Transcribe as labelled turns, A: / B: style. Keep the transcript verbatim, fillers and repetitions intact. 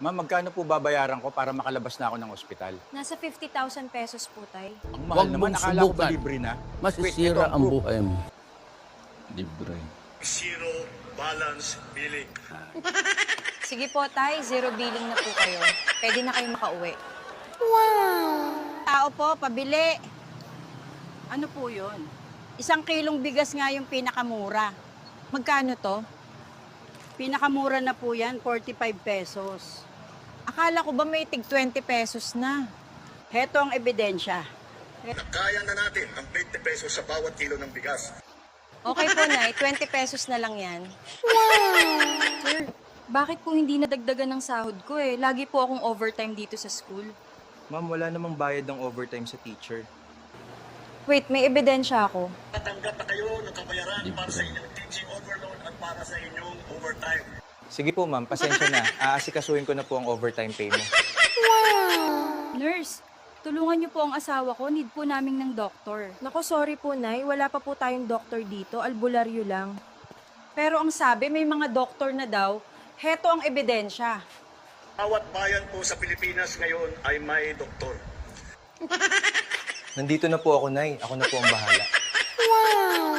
A: Ma'am, magkano po babayaran ko para makalabas na ako ng ospital?
B: Nasa fifty thousand pesos po, tay.
A: Ang mahal
C: Huwag
A: naman,
C: mong
A: akala ko ba
C: subukan.
A: libre na? Wait, ito
C: Masisira ang
A: proof.
C: buhay mo.
D: Libre.
E: Zero balance billing.
B: Sige po, tay. Zero billing na po kayo. Pwede na kayo makauwi. Wow!
F: Tao po, pabili. Ano po yun? Isang kilong bigas nga yung pinakamura.
B: Magkano to?
F: Pinakamura na po yan, forty-five pesos.
B: Akala ko ba may tig twenty pesos na?
F: Heto ang ebidensya.
E: Kaya na natin ang twenty pesos sa bawat kilo ng bigas.
B: Okay po, Nay. twenty pesos na lang yan. Sir, bakit po hindi nadagdagan ng sahod ko eh? Lagi po akong overtime dito sa school.
G: Ma'am, wala namang bayad ng overtime sa teacher.
B: Wait, may ebidensya ako.
E: Tatanggap na kayo ng kabayaran para sa inyong teaching overload at para sa inyong overtime.
G: Sige po ma'am, pasensya na. Aasikasuhin ko na po ang overtime pay mo.
B: Nurse, tulungan niyo po ang asawa ko. Need po naming ng doktor.
H: Nako, sorry po, Nay. Wala pa po tayong doktor dito. Albularyo lang.
F: Pero ang sabi, may mga doktor na daw. Heto ang ebidensya.
E: Bawat bayan po sa Pilipinas ngayon ay may doktor.
G: Nandito na po ako, Nay. Ako na po ang bahala.